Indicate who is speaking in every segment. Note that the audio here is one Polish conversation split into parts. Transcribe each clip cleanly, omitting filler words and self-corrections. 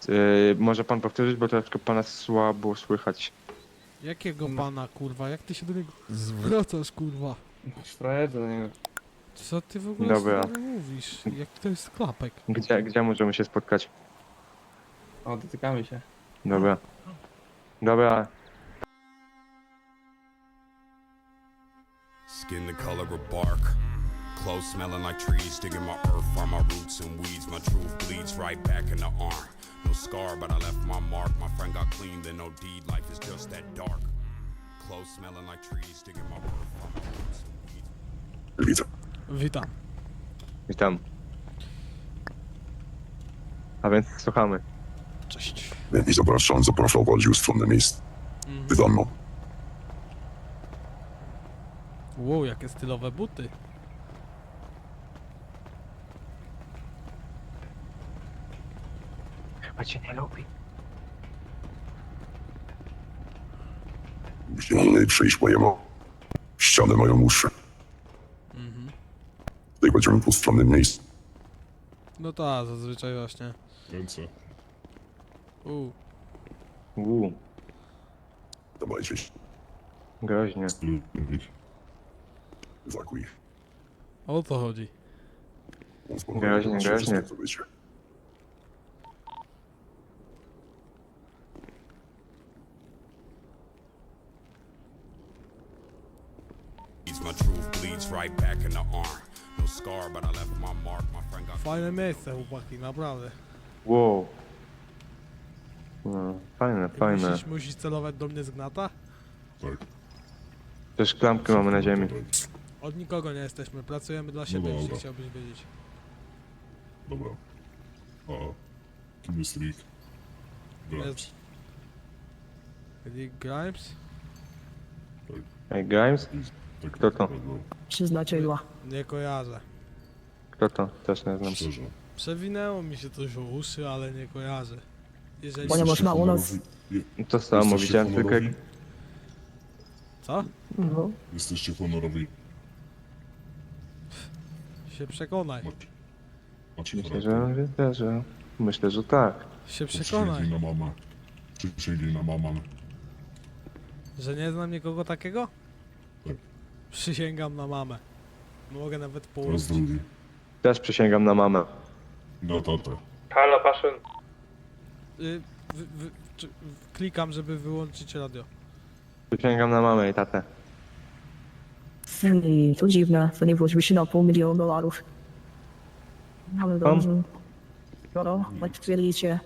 Speaker 1: Może pan powtórzyć, bo troszkę pana słabo słychać.
Speaker 2: Jakiego pana, kurwa? Jak ty się do niego zwracasz, kurwa?
Speaker 3: Frajerze, nie.
Speaker 2: Co ty w ogóle
Speaker 1: Dobra.
Speaker 2: sobie mówisz? Jaki to jest klapek?
Speaker 1: Gdzie możemy się spotkać?
Speaker 3: O, dotykamy się.
Speaker 1: Dobra. Dobra.
Speaker 4: Skin the color of bark. Clothes smelling like trees, digging my earth, farm my roots and weeds. My truth bleeds right back in the arm. No scar, but I left my mark. My friend got clean, then no deed. Life is just that dark. Clothes smelling like trees, digging my earth, farm my roots and weeds.
Speaker 5: Widzę.
Speaker 2: Witam.
Speaker 1: Witam. A więc słuchamy.
Speaker 2: Cześć.
Speaker 5: I zapraszał bardziej ustronne miejsce. Wydano.
Speaker 2: Wow, jakie stylowe buty.
Speaker 1: Chyba cię nie lubi.
Speaker 5: Gdzie przejść mojemu. Ściany mają uszy. Tutaj będziemy w ustronnym miejscu.
Speaker 2: No tak, zazwyczaj właśnie.
Speaker 6: Ręce.
Speaker 5: Dawajcie się.
Speaker 1: Groźnie.
Speaker 5: Zakuj.
Speaker 2: O to chodzi.
Speaker 1: Groźnie.
Speaker 5: Co wiecie.
Speaker 4: My truth bleeds right back in the arm. No scar, but I left my mark. My friend got
Speaker 2: Fajne miejsce, chłopaki, naprawdę.
Speaker 1: Wow. No, fajne.
Speaker 2: Musisz celować do mnie z gnata?
Speaker 6: Tak.
Speaker 1: Też klamki mamy na ziemi.
Speaker 2: Od nikogo nie jesteśmy, pracujemy dla siebie,
Speaker 6: dobra.
Speaker 2: jeśli chciałbyś wiedzieć.
Speaker 6: Dobra. A kim jest Rick? Grimes.
Speaker 2: Rick Grimes?
Speaker 1: Ej, Grimes?
Speaker 6: Tak,
Speaker 1: Kto to?
Speaker 7: Przyznaczyła.
Speaker 2: Nie kojarzę.
Speaker 1: Kto to? Też nie znam.
Speaker 6: Szczerze.
Speaker 2: Przewinęło mi się coś o uszy, ale nie kojarzę. Jeżeli...
Speaker 7: Ponieważ ma u nas...
Speaker 1: To samo,
Speaker 6: Jesteście
Speaker 1: widziałem tylko jak...
Speaker 6: honorowi?
Speaker 2: Co?
Speaker 7: No,
Speaker 6: Jesteście honorowi.
Speaker 2: Się przekonaj.
Speaker 6: Macie
Speaker 1: Myślę, że tak.
Speaker 2: Się
Speaker 6: Przysięgli
Speaker 2: przekonaj.
Speaker 6: na mamę. Przysięgli na mamę.
Speaker 2: Że nie znam nikogo takiego?
Speaker 6: Tak.
Speaker 2: Przysięgam na mamę. Mogę nawet
Speaker 6: Teraz
Speaker 2: położyć.
Speaker 6: drugi.
Speaker 1: Też przysięgam na mamę.
Speaker 6: Na tatę.
Speaker 1: Halo, Paszyn.
Speaker 2: Klikam, żeby wyłączyć radio.
Speaker 1: Przysięgam na mamę i tatę.
Speaker 7: i to dziwne, to nie włożyły się na $500,000. Ale dobrze. Skoro, jak twierdzicie,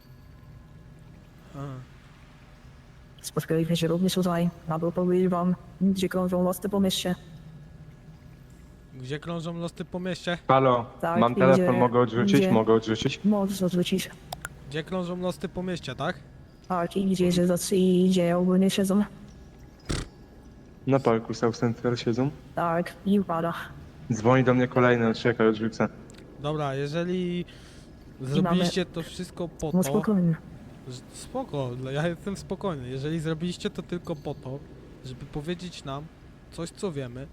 Speaker 2: A.
Speaker 7: spotkaliśmy się również tutaj, aby powiedzieć wam, gdzie krążą losy po mieście.
Speaker 2: Gdzie krążą losy po mieście?
Speaker 1: Halo,
Speaker 7: Tak,
Speaker 1: mam telefon,
Speaker 7: idzie-
Speaker 1: mogę odrzucić?
Speaker 7: idzie.
Speaker 1: Mogę odrzucić?
Speaker 7: Możesz odwrócić.
Speaker 2: Gdzie krążą losy po mieście, tak?
Speaker 7: Tak, i gdzie, że tacy idzie, ogólnie siedzą.
Speaker 1: Na parku South Central siedzą.
Speaker 7: Tak, i upada.
Speaker 1: Dzwoni do mnie kolejny, czekaj, odrzucę.
Speaker 2: Dobra, jeżeli zrobiliście to wszystko po
Speaker 7: No
Speaker 2: to...
Speaker 7: spokojnie.
Speaker 2: Spoko, ja jestem spokojny. Jeżeli zrobiliście to tylko po to, żeby powiedzieć nam coś, co wiemy,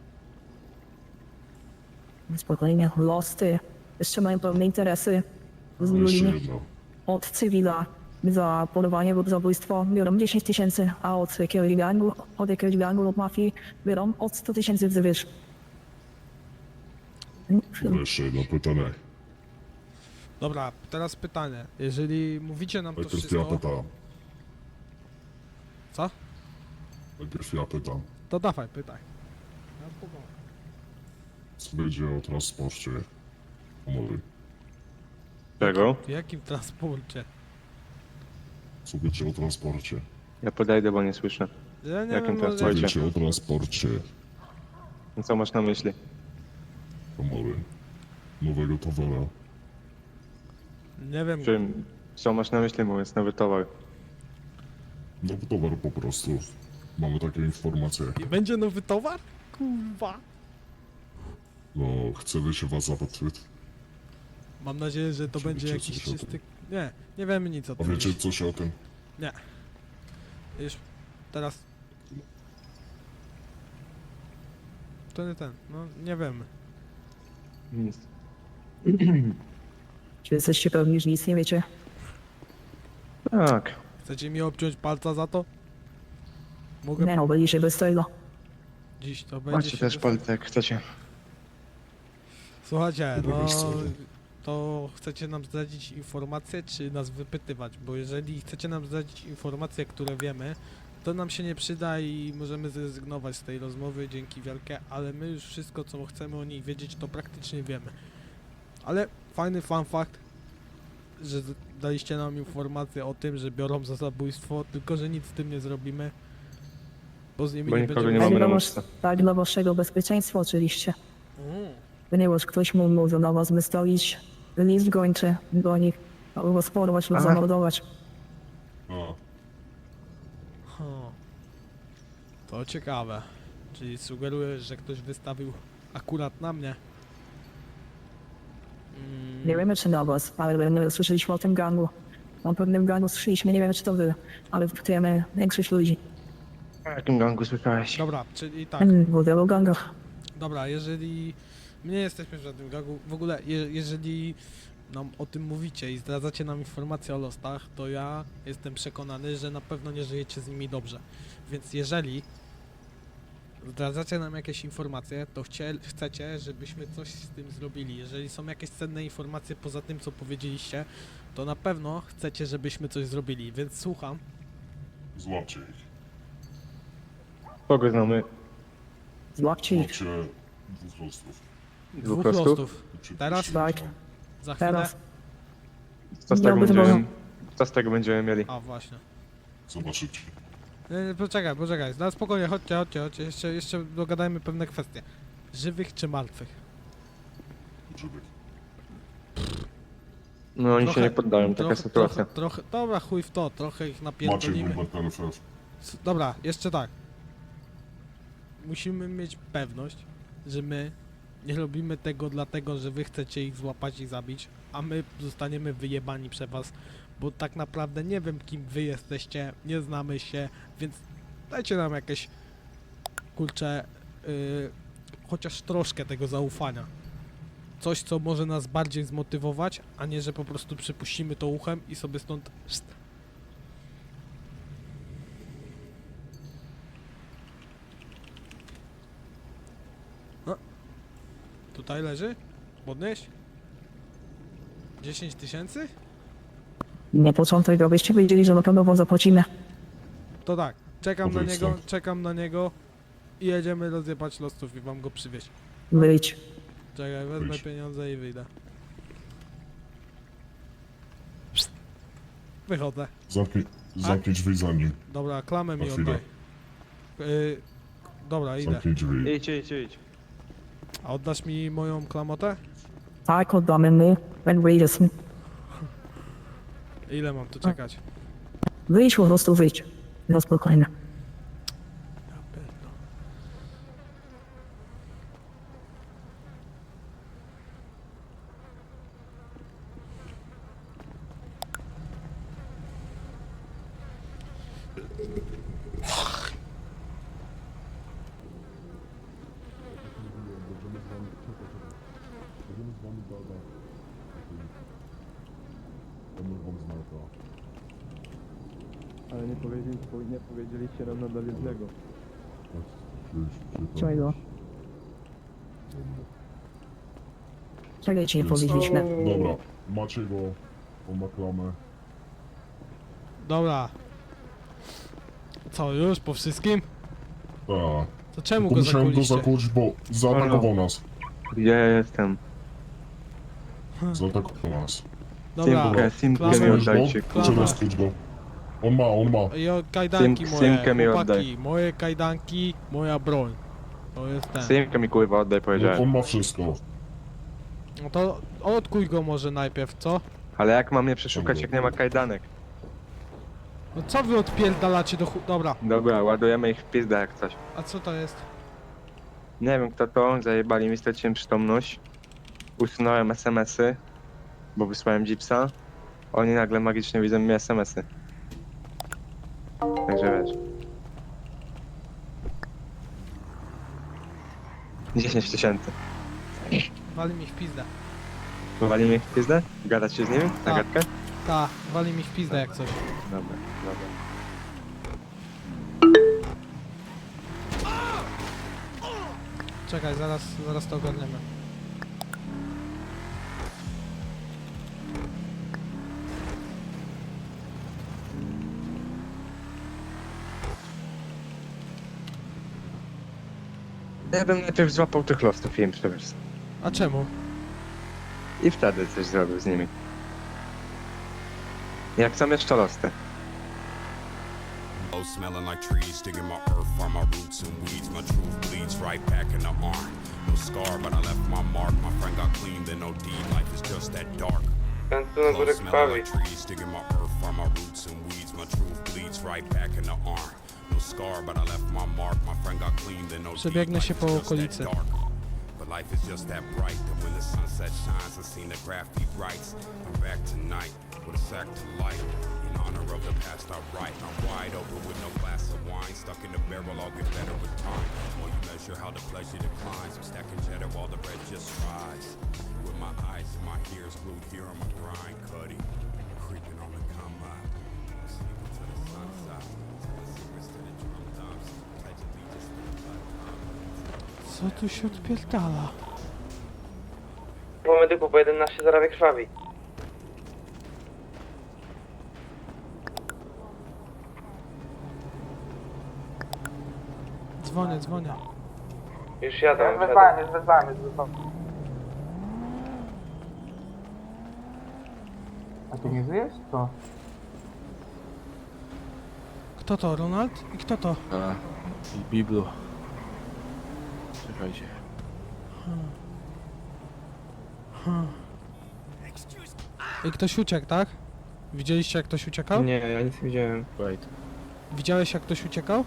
Speaker 7: Spokojnie, losy. Jeszcze mają pewne interesy z
Speaker 6: Jeszcze
Speaker 7: ludźmi.
Speaker 6: jedno.
Speaker 7: Od cywila za polowanie lub zabójstwo biorą 10 000, a od jakiegoś gangu lub mafii biorą od 100 000 wzwyż.
Speaker 6: Jeszcze jedno pytanie.
Speaker 2: Dobra, teraz pytanie. Jeżeli mówicie nam to
Speaker 6: Najpierw ja
Speaker 2: wszystko...
Speaker 6: pytam.
Speaker 2: Co?
Speaker 6: Najpierw ja pytam.
Speaker 2: To dawaj, pytaj. Ja spokojnie.
Speaker 6: Co będzie o transporcie honory?
Speaker 1: Czego?
Speaker 2: W jakim transporcie?
Speaker 6: Co wiecie o transporcie?
Speaker 1: Ja podejdę, bo nie słyszę.
Speaker 2: Ja nie
Speaker 1: Jakim
Speaker 2: wiem,
Speaker 6: Co
Speaker 1: transporcie?
Speaker 6: wiecie o transporcie
Speaker 1: No co masz na myśli?
Speaker 6: honory? Nowego towara.
Speaker 2: Nie wiem.
Speaker 1: Co masz na myśli, mówiąc nowy towar?
Speaker 6: Nowy towar po prostu. Mamy takie informacje.
Speaker 2: I będzie nowy towar? Kurwa.
Speaker 6: No, chcemy się was zapytać.
Speaker 2: Mam nadzieję, że to
Speaker 6: Czy
Speaker 2: będzie
Speaker 6: wiecie
Speaker 2: jakiś
Speaker 6: coś o tym?
Speaker 2: czysty... Nie wiemy nic o
Speaker 6: A
Speaker 2: tym.
Speaker 6: wiecie coś o tym?
Speaker 2: Nie. Już teraz... To nie ten, no nie wiemy.
Speaker 1: Nic.
Speaker 7: Czy jesteście pewni, że nic nie wiecie?
Speaker 1: Tak.
Speaker 2: Chcecie mi obciąć palca za to? Mogę
Speaker 7: Nie no, byli się bez tego.
Speaker 2: dziś, to będzie
Speaker 1: Macie
Speaker 2: się
Speaker 1: też palce, jak chcecie.
Speaker 2: Słuchajcie,
Speaker 6: Dobra,
Speaker 2: no
Speaker 6: wiesz co?
Speaker 2: to chcecie nam zdradzić informacje, czy nas wypytywać? Bo jeżeli chcecie nam zdradzić informacje, które wiemy, to nam się nie przyda i możemy zrezygnować z tej rozmowy, dzięki wielkie, ale my już wszystko, co chcemy o nich wiedzieć, to praktycznie wiemy. Ale fajny fun fact, że daliście nam informację o tym, że biorą za zabójstwo, tylko że nic z tym nie zrobimy, bo z nimi
Speaker 1: Bo
Speaker 2: nie
Speaker 1: nikogo
Speaker 2: będziemy...
Speaker 1: nie mamy
Speaker 7: Tak
Speaker 1: na
Speaker 7: dla,
Speaker 1: muszce.
Speaker 7: tak dla waszego bezpieczeństwa oczywiście. Ponieważ ktoś mu może na was wystawić list gończy do nich, albo sporować lub
Speaker 1: Aha.
Speaker 7: zamordować.
Speaker 6: A,
Speaker 2: To ciekawe. Czyli sugerujesz, że ktoś wystawił akurat na mnie?
Speaker 7: Nie wiemy czy na was, ale my słyszeliśmy o tym gangu. O pewnym gangu słyszeliśmy, nie wiemy czy to wy, ale wiemy większość ludzi.
Speaker 1: O jakim gangu słyszałeś?
Speaker 2: Dobra, czyli tak.
Speaker 7: W wielu gangach.
Speaker 2: Dobra, jeżeli my nie jesteśmy w żadnym gangu, w ogóle jeżeli nam o tym mówicie i zdradzacie nam informacje o losach, to ja jestem przekonany, że na pewno nie żyjecie z nimi dobrze. Więc jeżeli zdradzacie nam jakieś informacje, to chcecie, żebyśmy coś z tym zrobili. Jeżeli są jakieś cenne informacje poza tym, co powiedzieliście, to na pewno chcecie, żebyśmy coś zrobili, więc słucham.
Speaker 6: złapcie ich.
Speaker 1: Kogo znamy?
Speaker 7: Złapcie ich.
Speaker 6: Złapcie dwóch losów.
Speaker 1: Dwóch losów?
Speaker 2: Teraz?
Speaker 7: Tak,
Speaker 2: Za chwilę?
Speaker 7: teraz.
Speaker 1: Co z tego
Speaker 7: Miałby
Speaker 1: będziemy,
Speaker 7: zwołą.
Speaker 1: co z tego będziemy mieli?
Speaker 2: A, właśnie.
Speaker 6: Zobaczycie.
Speaker 2: Poczekaj, no spokojnie, chodźcie, jeszcze dogadajmy pewne kwestie. Żywych czy martwych?
Speaker 6: Żywych.
Speaker 1: No oni się nie poddają, taka sytuacja.
Speaker 2: Trochę, dobra, chuj w to, trochę ich
Speaker 6: Maciej
Speaker 2: napierdolimy.
Speaker 6: Bulber PNFF.
Speaker 2: Dobra, jeszcze tak. Musimy mieć pewność, że my nie robimy tego dlatego, że wy chcecie ich złapać i zabić, a my zostaniemy wyjebani przez was, bo tak naprawdę nie wiem kim wy jesteście, nie znamy się, więc dajcie nam jakieś, kurczę, chociaż troszkę tego zaufania. Coś, co może nas bardziej zmotywować, a nie, że po prostu przypuścimy to uchem i sobie stąd... Tutaj leży? Podnieś? 10 000?
Speaker 7: Nie początek, abyście wiedzieli, że na pewno wam zapłacimy.
Speaker 2: To tak, czekam na
Speaker 6: Powiedz
Speaker 2: niego,
Speaker 6: stąd.
Speaker 2: czekam na niego i jedziemy rozjebać losów i wam go przywieźć.
Speaker 7: Wyjdź.
Speaker 2: Czekaj, wezmę
Speaker 6: Wyjdź.
Speaker 2: pieniądze i wyjdę. Wychodzę.
Speaker 6: Zamknij drzwi za nim.
Speaker 2: Dobra, klamę mi
Speaker 6: Na chwilę.
Speaker 2: oddaj. Dobra, idę.
Speaker 6: Zamknij drzwi.
Speaker 1: Idź.
Speaker 2: A oddasz mi moją klamotę?
Speaker 7: Tak, oddamy my. When wyjdziesz.
Speaker 2: Ile mam tu czekać?
Speaker 7: Wyjdź, po prostu wyjdź. No spokojnie.
Speaker 2: Ja pierdolę.
Speaker 1: Ale nie powiedzieliście nam nadal jednego.
Speaker 7: Czego? Czego ci nie powiedzieliśmy?
Speaker 6: Dobra, macie go. On ma klamę.
Speaker 2: Dobra. Co, już po wszystkim?
Speaker 6: Tak.
Speaker 2: To czemu
Speaker 6: Tylko
Speaker 2: go
Speaker 6: musiałem go
Speaker 2: zakuliście?
Speaker 6: zakuć, bo zaatakował nas.
Speaker 1: Gdzie ja jestem?
Speaker 6: Zaatakował nas.
Speaker 2: Dobra,
Speaker 1: Simkę mi
Speaker 2: klamę.
Speaker 1: oddajcie.
Speaker 2: Klamę.
Speaker 6: Trzeba skuć go. On ma.
Speaker 2: I kajdanki moje,
Speaker 1: Simkę mi
Speaker 2: chłopaki,
Speaker 1: oddaj.
Speaker 2: moje kajdanki, moja broń. To jest ten.
Speaker 1: Simkę mi kurwa oddaj,
Speaker 6: No,
Speaker 1: powiedziałem.
Speaker 6: on ma wszystko.
Speaker 2: No to odkuj go może najpierw, co?
Speaker 1: Ale jak mam mnie przeszukać, jak nie ma kajdanek?
Speaker 2: No co wy odpierdalacie do Dobra,
Speaker 1: Dobra, ładujemy ich w pizdę jak coś.
Speaker 2: a co to jest?
Speaker 1: Nie wiem kto to, zajebali mi, straciłem przytomność. Usunąłem SMS-y, bo wysłałem Jeepsa. Oni nagle magicznie widzą mi SMS-y. Także wiesz. 10 000.
Speaker 2: Wali mi w pizdę.
Speaker 1: Wywali mnie w pizdę? Gadać się z nimi? Na
Speaker 2: Tak.
Speaker 1: gadkę?
Speaker 2: Ta, wali mi w pizdę jak coś.
Speaker 1: Dobra, dobra.
Speaker 2: Czekaj, zaraz to ogarniemy.
Speaker 1: Ja bym najpierw złapał tych losów i im przewiózł.
Speaker 2: A czemu?
Speaker 1: I wtedy coś zrobił z nimi. Jak są jeszcze losy.
Speaker 4: Low smelling like trees, digging my earth, farm my roots and weeds. My truth bleeds right back in the arm. No scar, but I left my mark. My friend got clean, then no deed. Life is just that dark.
Speaker 3: Ten tu na
Speaker 4: Low
Speaker 3: górę
Speaker 4: smelling
Speaker 3: krwawi.
Speaker 4: like trees, digging my earth, farm my roots and weeds. My truth bleeds right back in the arm. No scar, but I left my mark. My friend got clean, then no deed.
Speaker 2: Przebiegnę się
Speaker 4: Life
Speaker 2: po
Speaker 4: is just that
Speaker 2: okolicy.
Speaker 4: dark. But life is just that bright that when the sunset shines, I seen the graffiti writes. I'm back tonight with a sack to light. In honor of the past I write. I'm wide open with no glass of wine. Stuck in the barrel, I'll get better with time. While you measure how the pleasure declines. I'm stacking cheddar while the bread just rise. With my eyes and my ears glued here on my grind, cutty. Creeping on the come up. Sleeping to the sunset. Telling secrets to the drum dumps. Pledge allegiance to the blood.
Speaker 2: Co tu się odpierdala?
Speaker 3: Po medyku, po 11 zarabia krwawi.
Speaker 2: Dzwonię.
Speaker 3: Już jadę.
Speaker 8: Już wezwałem. A ty nie żyjesz? Co?
Speaker 2: Kto to, Ronald? I kto to?
Speaker 9: A, i Biblu. Czekajcie.
Speaker 2: I ktoś uciekł, tak? Widzieliście jak ktoś uciekał?
Speaker 3: Nie, ja nic nie widziałem.
Speaker 9: Wait.
Speaker 2: Widziałeś jak ktoś uciekał?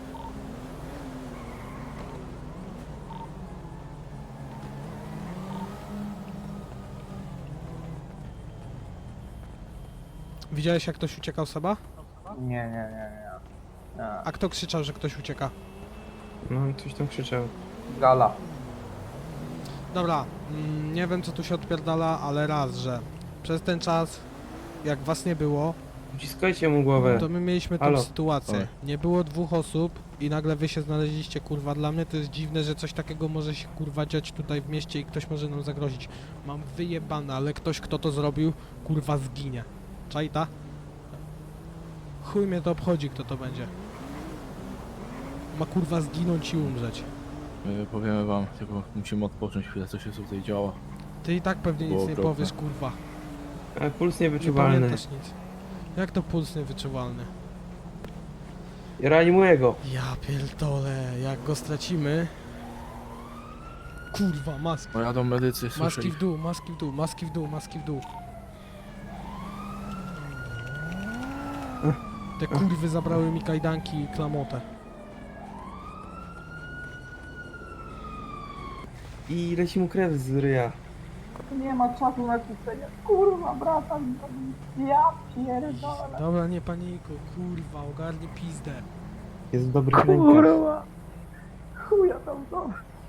Speaker 2: Widziałeś jak ktoś uciekał, Seba?
Speaker 8: Nie.
Speaker 2: A kto krzyczał, że ktoś ucieka?
Speaker 3: No, coś tam krzyczał.
Speaker 8: Gala.
Speaker 2: Dobra, nie wiem co tu się odpierdala, ale raz, że przez ten czas, jak was nie było,
Speaker 3: Wciskajcie mu głowę.
Speaker 2: to my mieliśmy tą
Speaker 3: Halo.
Speaker 2: sytuację.
Speaker 9: Oj.
Speaker 2: Nie było 2 osób i nagle wy się znaleźliście, kurwa. Dla mnie to jest dziwne, że coś takiego może się, kurwa, dziać tutaj w mieście i ktoś może nam zagrozić. Mam wyjebane, ale ktoś, kto to zrobił, kurwa, zginie. Czajta? Chuj mnie to obchodzi, kto to będzie. Ma, kurwa, zginąć i umrzeć.
Speaker 9: My powiemy wam, tylko musimy odpocząć chwilę, co się tutaj działo.
Speaker 2: Ty i tak pewnie nic
Speaker 9: Było
Speaker 2: nie
Speaker 9: okropne.
Speaker 2: powiesz, kurwa.
Speaker 3: Ale puls
Speaker 2: Nie
Speaker 3: niewyczuwalny.
Speaker 2: pamiętasz nic. Jak to puls niewyczuwalny?
Speaker 3: Reanimuję go.
Speaker 2: Ja pierdolę, jak go stracimy... Kurwa, maski.
Speaker 9: No jadą medycy, słyszę
Speaker 2: Maski
Speaker 9: ich.
Speaker 2: w dół, maski w dół, maski w dół, maski w dół. Te kurwy zabrały mi kajdanki i klamotę.
Speaker 3: I leci mu krew z ryja.
Speaker 8: Nie ma czasu na kłócenie. Kurwa, brata. Ja pierdolę.
Speaker 2: Dobra, nie panikuj, kurwa, ogarnij pizdę.
Speaker 3: Jest w dobrych rękach.
Speaker 8: Chuja tam to.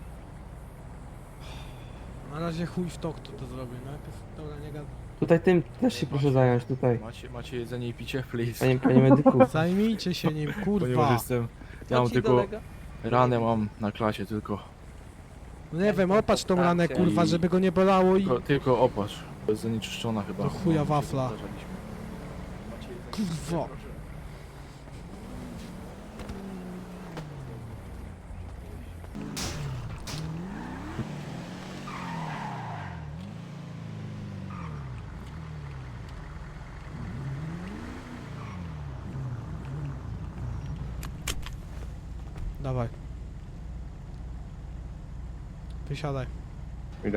Speaker 2: Na razie chuj w to, kto to zrobił. Najpierw, dobra, nie gadaj.
Speaker 3: Tutaj tym też się proszę zająć, tutaj.
Speaker 9: Macie jedzenie i picie, please?
Speaker 3: Panie medyku.
Speaker 2: Zajmijcie się nim,
Speaker 9: Ponieważ
Speaker 2: kurwa.
Speaker 9: jestem... Ja mam tylko... Ranę mam na klasie, tylko...
Speaker 2: No nie wiem, opatrz tą ranę, kurwa, żeby go nie bolało i...
Speaker 9: Tylko opatrz. Jest zanieczyszczona chyba.
Speaker 2: Do chuja
Speaker 9: No,
Speaker 2: wafla.
Speaker 9: zdarzaliśmy.
Speaker 2: Kurwa. Dawaj. Wysiadaj.
Speaker 1: Idę.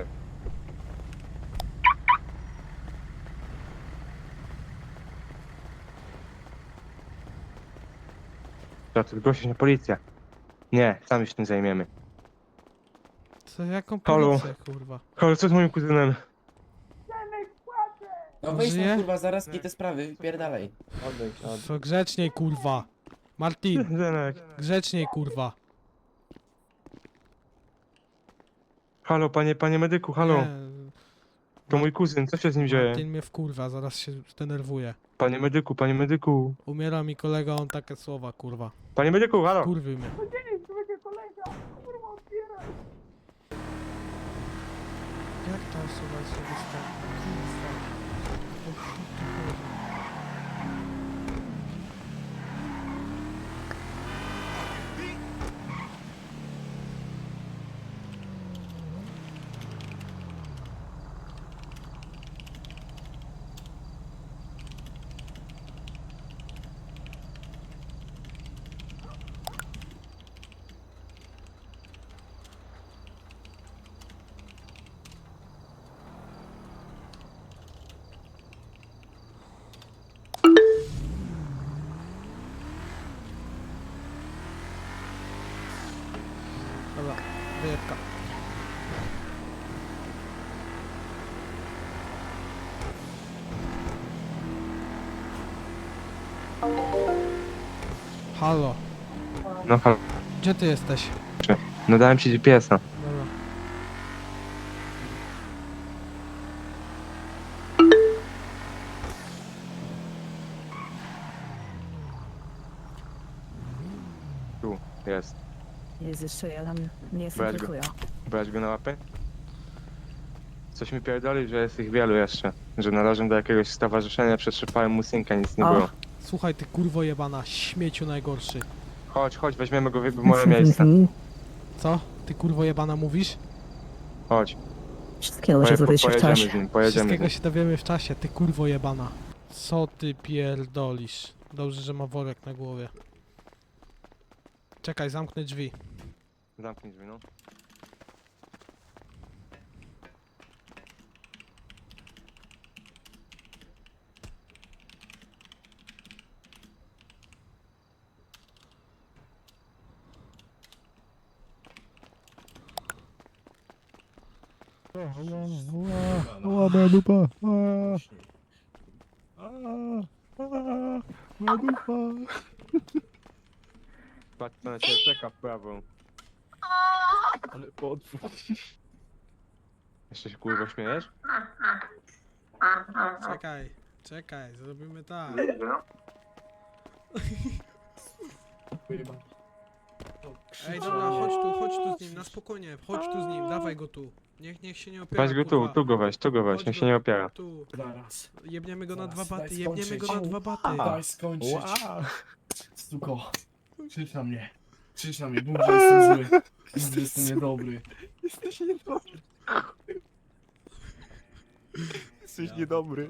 Speaker 1: To ty zgłosić na policję. Nie, sami się tym zajmiemy.
Speaker 2: Co, jaką
Speaker 1: Halo.
Speaker 2: policję, kurwa?
Speaker 1: Halo, co z moim kuzynem?
Speaker 10: No wejdź
Speaker 2: Żyje?
Speaker 10: tam kurwa, zaraz te sprawy, wypierdalaj.
Speaker 2: Co, grzeczniej, kurwa. Martin,
Speaker 1: Zenek.
Speaker 2: grzeczniej, kurwa.
Speaker 1: Halo, panie medyku, halo.
Speaker 2: Nie.
Speaker 1: To mój kuzyn, co się z nim dzieje?
Speaker 2: Martin mnie wkurwa, zaraz się zdenerwuje.
Speaker 1: Panie medyku, panie medyku.
Speaker 2: Umiera mi kolega, on takie słowa, kurwa.
Speaker 1: Panie medyku, halo!
Speaker 2: Kurwy mnie.
Speaker 8: Dzień, człowiek kolega. Kurwa, otwieraj.
Speaker 2: Jak ta osoba się występuje? Kurwa. O co tu chodzi? Dobra, wyjebka. Halo,
Speaker 1: No halo.
Speaker 2: gdzie ty jesteś?
Speaker 1: No dałem ci GPS-a.
Speaker 2: Dobra.
Speaker 1: Tu, jest.
Speaker 7: Jest jeszcze jeden, nie jestem
Speaker 1: Brać go.
Speaker 7: tylko ja.
Speaker 1: Brać go na łapę? Coś mi pierdoli, że jest ich wielu jeszcze. Że należą do jakiegoś stowarzyszenia, przetrzepałem mu synka, nic nie
Speaker 7: A.
Speaker 1: było.
Speaker 2: Słuchaj, ty kurwo jebana, śmieciu najgorszy.
Speaker 1: Chodź, chodź, weźmiemy go w moje miejsce.
Speaker 2: Co? Ty kurwo jebana mówisz?
Speaker 1: Chodź,
Speaker 7: Wszystkiego się dowie się w
Speaker 1: pojedziemy
Speaker 7: czasie.
Speaker 1: z nim, pojedziemy z
Speaker 2: Wszystkiego
Speaker 1: nim.
Speaker 2: się dowiemy w czasie, ty kurwo jebana. Co ty pierdolisz? Dobrze, że ma worek na głowie. Czekaj, zamknę drzwi.
Speaker 1: Zamknij drzwi, no.
Speaker 9: Ła, moja dupa. Moja dupa.
Speaker 1: Patrz, co na ciebie czeka w prawo.
Speaker 9: Ale potwór.
Speaker 1: Jeszcze się kurwa śmiejesz?
Speaker 2: Czekaj, zrobimy tak. Ej, dobra, chodź tu z nim, na spokojnie, chodź tu z nim, dawaj go tu. Niech się nie opiera,
Speaker 1: Weź go
Speaker 2: kurwa.
Speaker 1: tu go weź, tu go weź,
Speaker 2: Chodź
Speaker 1: niech się
Speaker 2: go
Speaker 1: nie opiera.
Speaker 2: Tu,
Speaker 10: Zaraz.
Speaker 2: jebniemy go na
Speaker 10: Zaraz,
Speaker 2: dwa baty,
Speaker 10: daj
Speaker 2: jebniemy go
Speaker 10: skończyć.
Speaker 2: na dwa baty.
Speaker 10: Daj skończyć.
Speaker 9: Ła.
Speaker 10: Stuko. Krzycz na mnie. Krzycz na mnie, mów, że jestem zły. Mów, że jestem niedobry.
Speaker 9: Jesteś niedobry. Jesteś niedobry.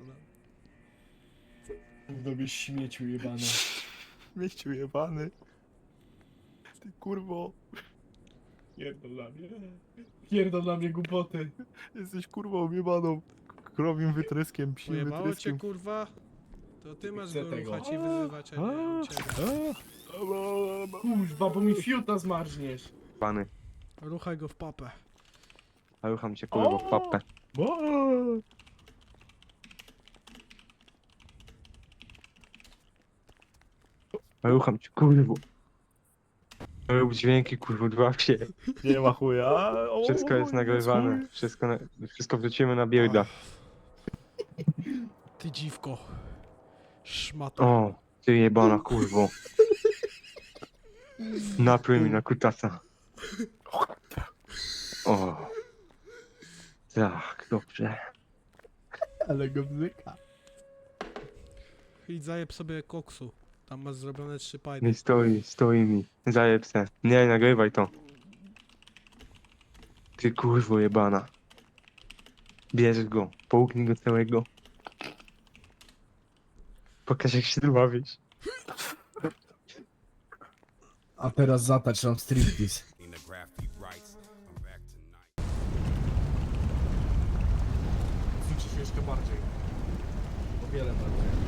Speaker 10: Mów do mnie śmieciu jebany.
Speaker 9: Mieściu jebany. Ty kurwo.
Speaker 10: Pierdol na mnie. Pierdol na mnie głupoty.
Speaker 9: Jesteś kurwą jebaną. Krowim wytryskiem, psim
Speaker 2: Pojebało cię,
Speaker 9: wytryskiem.
Speaker 2: kurwa? To ty masz
Speaker 10: Chcę
Speaker 2: go
Speaker 10: tego.
Speaker 2: ruchać i wyzywać, a nie u ciebie.
Speaker 10: Kurwa, bo mi fiuta zmarzniesz.
Speaker 1: Pany,
Speaker 2: Ruchaj go w papę.
Speaker 1: a rucham cię kurwa w papę. A rucham cię kurwa. Rób dźwięki kurwa, dwa się.
Speaker 9: Nie ma chuja. O,
Speaker 1: Wszystko jest nagrywane. Wszystko wrzucimy na builda.
Speaker 2: Ty dziwko. Szmato.
Speaker 1: O, ty jebana kurwo. Napluj mi na kutasa. O. Tak, dobrze.
Speaker 9: Ale go bzyka.
Speaker 2: Idź zajeb sobie koksu. Tam masz zrobione 3
Speaker 1: Nie
Speaker 2: pajdy.
Speaker 1: stoi mi. Zajeb se. Nie, nagrywaj to. Ty kurwo jebana. Bierz go, połknij go całego. Pokaż jak się dławisz.
Speaker 10: A teraz zatacz nam striptease.
Speaker 4: In the graffiti rights, I'm back tonight.
Speaker 10: Ćwiczysz jeszcze bardziej. O wiele bardziej.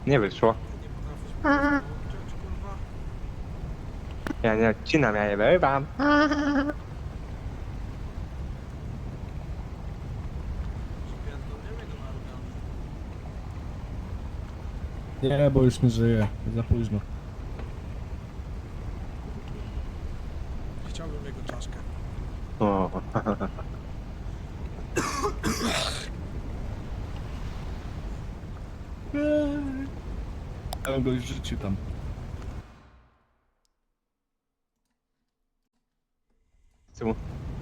Speaker 1: Nie wyszło.
Speaker 2: Nie potrafisz powiedzieć, kurwa?
Speaker 1: Ja nie odcinam, ja nie wyrywam.
Speaker 2: Pierdolniemy go na organy.
Speaker 9: Nie, bo już nie żyje. Za późno.
Speaker 2: Chciałbym jego czaszkę.
Speaker 1: O.
Speaker 9: Ja bym go już rzucił tam.
Speaker 1: Co?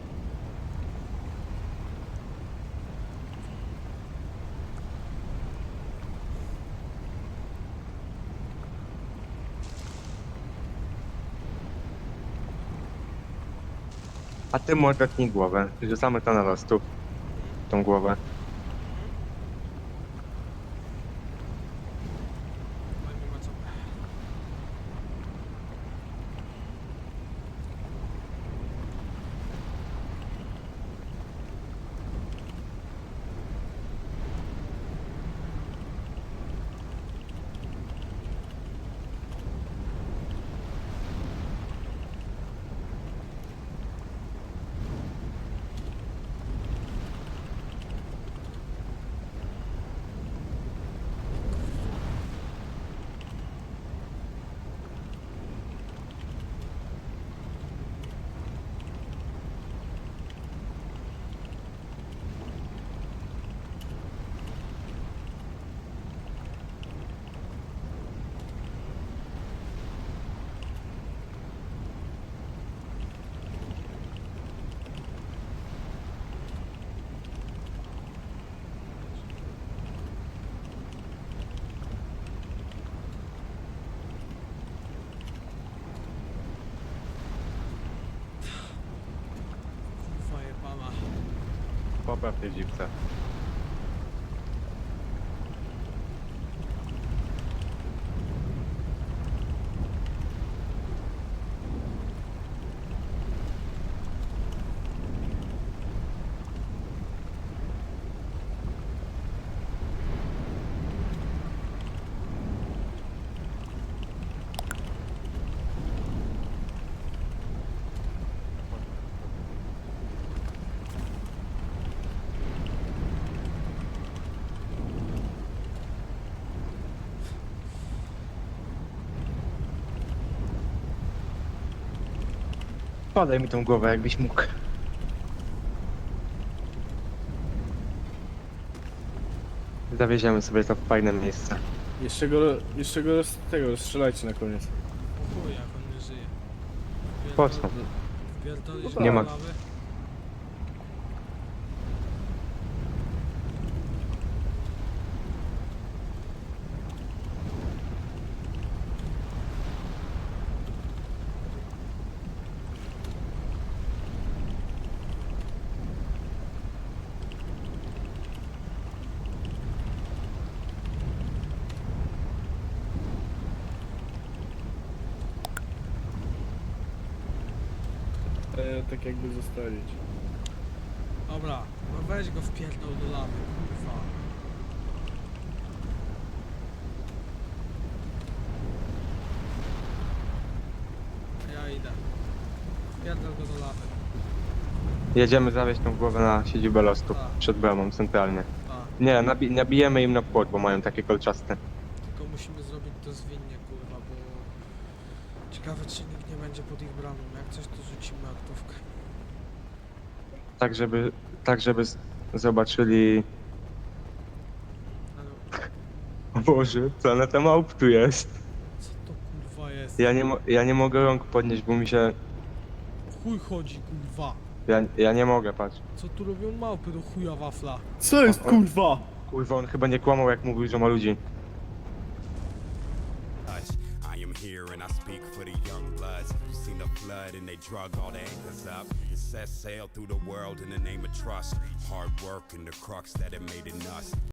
Speaker 1: A ty mu odetnij głowę. Rzucamy to na los tu. Tą głowę.
Speaker 2: Dajmy ma co. Kurwa jebana.
Speaker 1: Popraw tej dziwce. Podaj mi tą głowę, jakbyś mógł. Zawieziemy sobie to w fajne miejsce.
Speaker 9: Jeszcze go strzelajcie na koniec.
Speaker 2: O chuj, jak on nie żyje.
Speaker 1: Po co?
Speaker 2: Pierdolisz
Speaker 1: Nie ma.
Speaker 2: go do lawy?
Speaker 9: Tak jakby zostawić.
Speaker 2: Dobra, no weź go wpierdol do lawy, kurwa. Ja idę. Wpierdol go do lawy.
Speaker 1: Jedziemy zawieźć tą głowę na siedzibę Lostu.
Speaker 2: Tak.
Speaker 1: Przed bramą, centralnie.
Speaker 2: Tak,
Speaker 1: Nie, nabijemy im na płot, bo mają takie kolczaste.
Speaker 2: tylko musimy zrobić to zwinnie, kurwa, bo... Ciekawe, czy nikt nie będzie pod ich bramą. Jak coś, to rzucimy aktówkę.
Speaker 1: Tak, żeby zobaczyli...
Speaker 2: Ale
Speaker 1: O Boże, planeta małp tu jest.
Speaker 2: co to kurwa jest?
Speaker 1: Ja nie mogę rąk podnieść, bo mi się...
Speaker 2: Chuj chodzi, kurwa.
Speaker 1: Ja nie mogę, patrz.
Speaker 2: Co tu robią małpy do chuja wafla?
Speaker 9: Co jest kurwa?
Speaker 1: Kurwa, on chyba nie kłamał, jak mówił, że ma ludzi.
Speaker 4: I am here and I speak for the young bloods. You seen the flood and they drug all the anchors up and set sail through the world in the name of trust. Hard work and the crux that it made in us.